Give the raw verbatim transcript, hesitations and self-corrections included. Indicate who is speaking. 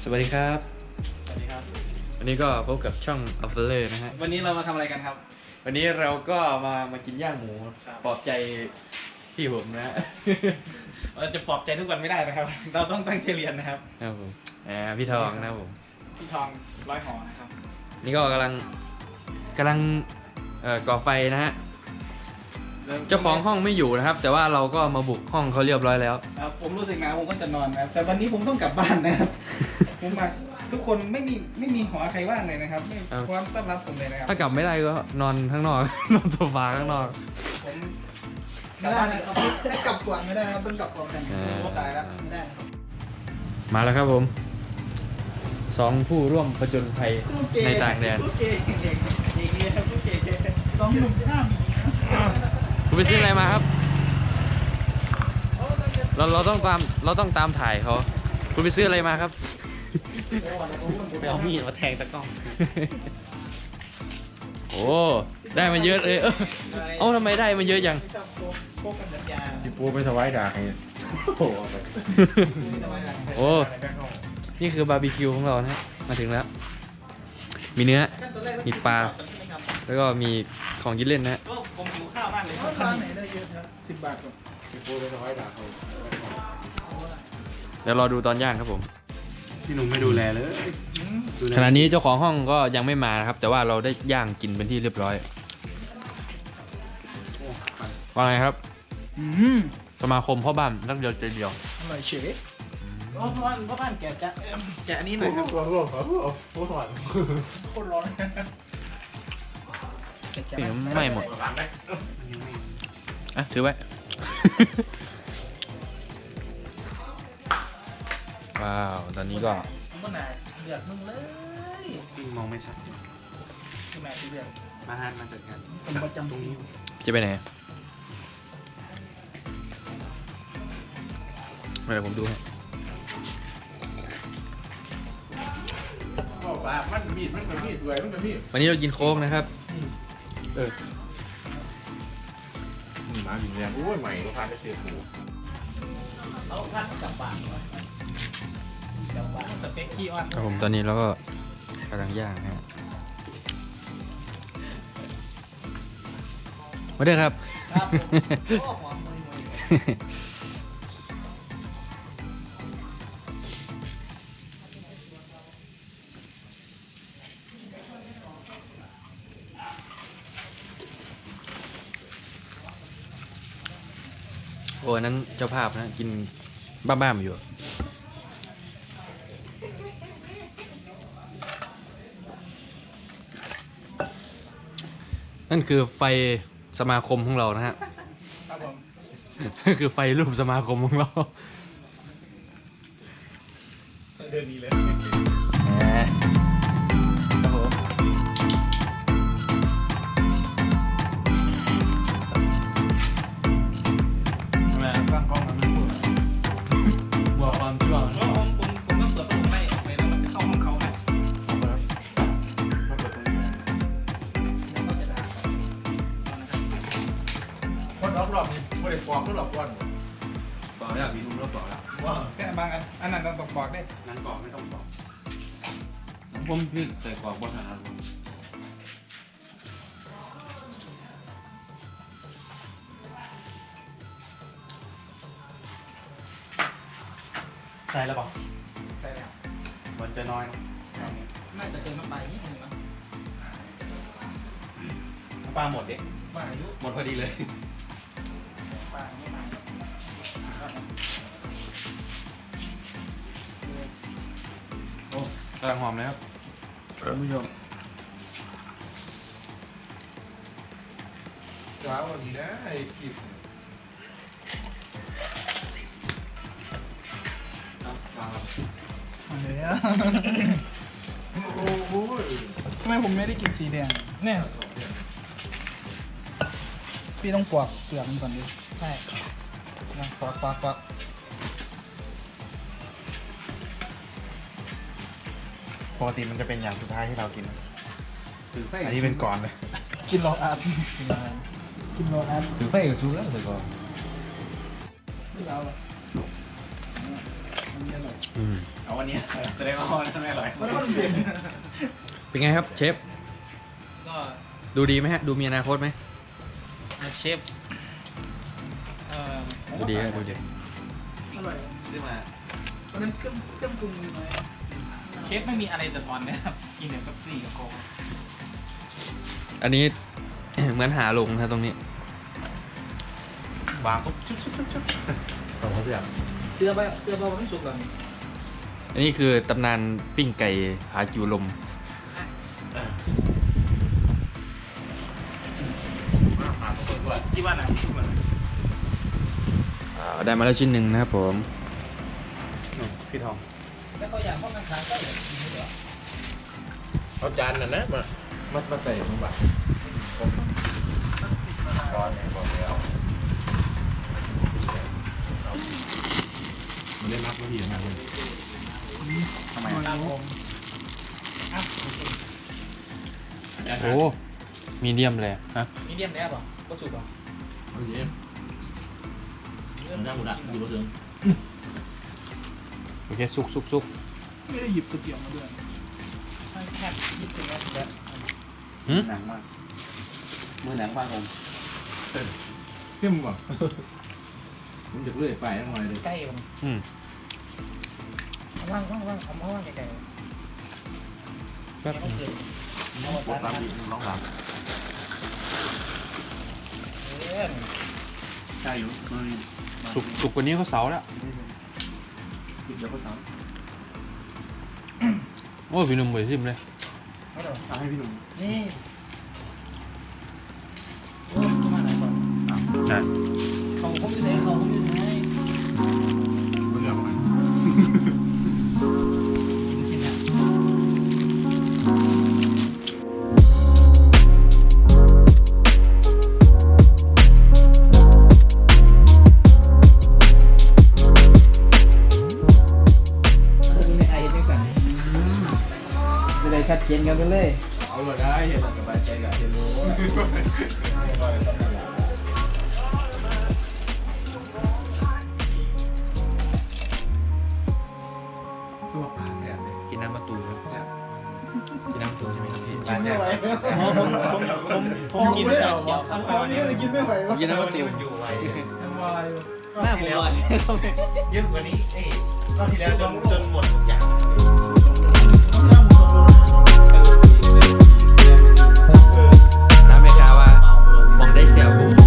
Speaker 1: สวัสดีครับ
Speaker 2: สวัสดีครับ
Speaker 1: วันนี้ก็พบกับช่องอัลเฟเลอร์นะฮะ
Speaker 2: วันนี้เรามาทำอะไรกันครับ
Speaker 1: วันนี้เราก็มามากินย่างหมูปลอบใจพี่ผมนะฮะ
Speaker 2: เราจะปลอบใจทุกวันไม่ได้นะครับ เราต้องตั้งใจเรียนนะครับ
Speaker 1: ครับผมอ่าพี่ทองนะครับผม
Speaker 2: พี่ทองร้อยหอนะครับ
Speaker 1: นี่ก็กำลังกำลังเอ่อก่อไฟนะฮะเจ้าของห้องไม่อยู่นะครับ แต่ว่าเราก็มาบุกห้องเขาเรียบร้อยแล้ว
Speaker 2: ครับผมรู้สึกหนาวผมก็จะนอนนะครับแต่วันนี้ผมต้องกลับบ้านนะครับ ผมมาทุกคนไม่มีไม่มีหอใครว่างเลยนะครับไม่พร้อมต้อนรับผมเลยนะครับ
Speaker 1: ถ้ากลับไม่ได้ก็นอนข้างนอก นอนโซฟาข้างนอก
Speaker 2: ผมไม่ได้นะครับไม่กลับก่อนไม่ได้นะครับต้องกลับก่อนกัน
Speaker 1: อ่า
Speaker 2: ผมก็ตายแล้วไม่ได้ครับ
Speaker 1: มาแล้วครับผมสองผู้ร่วมผจญภัยในต่างแดน
Speaker 2: ผู้เก่งเก่งเก่งเก่งผู้เก่งสองหนุ่มห้าม
Speaker 1: คุณไปซื้ออะไรมาครับ เราเราต้องตามเราต้องตามถ่ายเขาคุณไปซื้ออะไรมาครับ
Speaker 2: ไปเอามีดมาแทงตะกล้อง
Speaker 1: โอ้ได้มาเยอะเลยเออเอ้าทำไมได้มาเยอะจัง
Speaker 2: พวกกันจัดยา
Speaker 3: พี่ปูไปถวายดาให้โอ้โหเอาไป
Speaker 1: โอ้นี่คือบาร์บีคิวของเรานะฮะมาถึงแล้ว มีเนื้อ มีปลา แล้วก็มีของกินเล่นนะฮะ
Speaker 2: ก็ผมหิวข้าวมากเลยร้านไหนได้เยอะครับสิบบาทก่อน
Speaker 3: พี่ปูไปถวายดาให้
Speaker 1: เดี๋ยวรอดูตอนย่างครับผม
Speaker 3: พี่หนุ่มไม่ดูแลเลยดูแล
Speaker 1: ขณะนี้เจ้าของห้องก็ยังไม่มานะครับ แต่ว่าเราได้ย่างกินเป็นที่เรียบร้อยว่าไงครับ
Speaker 2: อืม
Speaker 1: สมาคมพ่อบ้านนักเดียวใจเดียว
Speaker 2: อร่อยเฉยเพราะว่าเพราะบ้านแกะจะแกะอันนี้หน่อยครับ
Speaker 3: ตัวตัวตัวตัวตัวถอด
Speaker 2: โคตรร้อนแกะ
Speaker 1: นี่ไม่หมดอ่ะถือไว้ ว้าว ตอนนี้ก็
Speaker 2: ผมก็หนาเดือดมึงเลย
Speaker 3: ซิ่งมองไม่ชัด
Speaker 2: คือแม่ที่เดือด
Speaker 3: มาฮันมาจัดการ
Speaker 2: ผมประจำตรงนี้
Speaker 1: จะไปไหนไม่เดี๋ยวผมดูให้
Speaker 3: ก็ปากมันมีดมันเป็นมีดด้วยมันเป็นมีด
Speaker 1: วันนี้เรากินโค้กนะครับ
Speaker 3: เออมาบินแรงโอ้ยใหม่ก็พาไปเสียผู
Speaker 2: เอาท่านกลับบ้านก่อนกลับบ้านสเต็กขี้อ้อน
Speaker 1: ครับผมตอนนี้เราก็กำลังย่างนะฮะมาเด้อครับ
Speaker 2: ครับผมโอ้หอมเลย
Speaker 1: โอ้อันนั้นเจ้าภาพนะกินบ้าๆมาอยู่นั่นคือไฟสมาคมของเรานะฮะ
Speaker 2: ครับผม
Speaker 1: นั่นคือไฟรูปสมาคมของเรา
Speaker 2: เดินดีเลย
Speaker 1: ครับผมทำไมตั้งกล้องมันไม่พูดบอกความที่ว่า
Speaker 2: ผมผมผมผมต้องเปิดประตูให้ไม่งั้นมันจะเข้าห้องเขานะเขาจะด่า
Speaker 3: คนรอบรอบนี่ไม่ได้ปอกไม่หลอกก้อน
Speaker 1: บอกแล้วมีทุนแล้วบอกแล้ว
Speaker 3: ว้า
Speaker 2: แค่บางอันอันนั้นต้องบอกได้
Speaker 3: นั้นปอกไม่ต้องปอก
Speaker 1: ผมพี่ใส่กรอกบนอาหารผม
Speaker 3: ใส่แล้วปอก
Speaker 2: ใส่แล้ว
Speaker 3: มันจะน้อยนะ
Speaker 2: น่าจะเติมน้ำปลาอีกนิดนึงนะ
Speaker 3: ปลาหมดดิ
Speaker 2: ปลาอายุ
Speaker 3: หมดพอดีเลย
Speaker 2: ปลาไม่มา
Speaker 1: กำลังหอมเลยครับท่านผู้ชม
Speaker 3: จ้าวดีนะไอ้กิบ
Speaker 2: มาเลยอ่ะ
Speaker 3: โอ้โห
Speaker 2: ทำไมผมไม่ได้กินสีแดงเนี่ยพี่ต้องปอกเปลือกมันก่อนดิใช่นะปอกปอกปอก
Speaker 3: ปกติมันจะเป็นอย่างสุดท้ายที่เรากิน
Speaker 1: ถือไฟ
Speaker 3: อันนี้เป็นก่อนเลย
Speaker 2: กินรออาร์ตกินรออาร์ตกินรออาร์ต
Speaker 1: ถือไฟกับชูแล้วใส่กรอก
Speaker 2: ไม่เอาอะ
Speaker 1: อืม
Speaker 2: เอาวันนี้แสดงว่าวันนั้นไม่อร่อย
Speaker 1: เป็นไงครับเชฟ
Speaker 2: ก็
Speaker 1: ดูดีไหมฮะ ดูมีอนาคตไหม
Speaker 2: เชฟเอ่อ
Speaker 1: ดูดีครับดูดี
Speaker 2: อร่อยซื้อมาตอนนั้นเครื่องเครื่องปรุงน้อยเชฟไม่มีอะไรจะทอนนะครับกินแต่กับซี่กับโค้ก
Speaker 1: อันนี้ เหมือนหาลงนะตรงนี้
Speaker 2: วางปุ๊บชุบชุบชุบชุบ
Speaker 1: ของเขาเสีย
Speaker 2: เสื้อใบเสื้อใบมันไม่สุกหรอ
Speaker 1: อันนี้คือตำนานปิ้งไก่ผากิวลม
Speaker 2: ที่ว่าไหนสุกมัน
Speaker 1: อ่าได้มาแล้วชิ้นหนึ่งนะครับผม
Speaker 2: พี่ทองแล้วเขาอยากเข้ากันขายก็เลย
Speaker 3: เอาจานน่ะนะมามามาใส่ลงไปก่อนเนี่ยบอกแล้วมันได้นับนาทีนะคุณ
Speaker 2: ทำไมครับผม
Speaker 1: โอ้ มีเดียมเลยฮะ
Speaker 2: มีเดียมแล้วป่ะก็สุกป่ะ
Speaker 3: เอาเยี่ยมมันได้หมดอ่ะอยู่บนเตียง
Speaker 1: โอเคสุกสุกสุก
Speaker 2: ไม่ได้หยิบก๋วยเตี๋ยวมาด้วยแค่หยิบถึงแล้วแบบ
Speaker 1: หืม
Speaker 2: หนังมากมือหนังมากผม
Speaker 3: เข้มกว่าผมจะเลื่อยไปทั้งวันเลย
Speaker 2: ใกล้มัน
Speaker 1: อืม
Speaker 2: ว่างว่างว่างเอามาว่างไกล
Speaker 1: แป๊บ
Speaker 2: ๆ
Speaker 1: นึง
Speaker 2: เอา
Speaker 3: ปวดตามดีน้องหลับ
Speaker 2: ใช่อยู่
Speaker 1: สุกสุกกว่านี้ก็เสาแล้ว
Speaker 2: หยิบเดี๋ยวก็สาม
Speaker 1: โอ้ยพี่หนุ่มไปซิมเลย
Speaker 2: ไม่หรอกเอาให้พี่หนุ่มนี่โอ้ยจะมาไหนก่อน
Speaker 1: อ่ะ
Speaker 2: เขาผมจะใช้เขาผมจะใช้
Speaker 3: ก็เลือกมัน
Speaker 2: กินชิ้นเนี่ยจะได้ชัดเจนกันไปเลย
Speaker 3: เอาเลยได้เห็นสบายใจกับเห็นรู้ตัวปลาแซ่บเลย
Speaker 1: กินน้ำมะตูมครับ
Speaker 3: แซ่บ
Speaker 1: กินน้ำมะตูมใช่ไหมครับพี่
Speaker 3: ปลาแซ่บ
Speaker 2: ผมผมผมกินไม่ไหวอันนี้เลยกินไม่ไหว
Speaker 1: กินน้ำมะตูม
Speaker 3: อยู่ไว้
Speaker 2: หน้าผมลอย
Speaker 3: เยอะกว่านี้เอ้ยรอบที่แล้วจนจนหมดทุกอย่าง
Speaker 1: น้ำเมกาว่ามองได้เสียว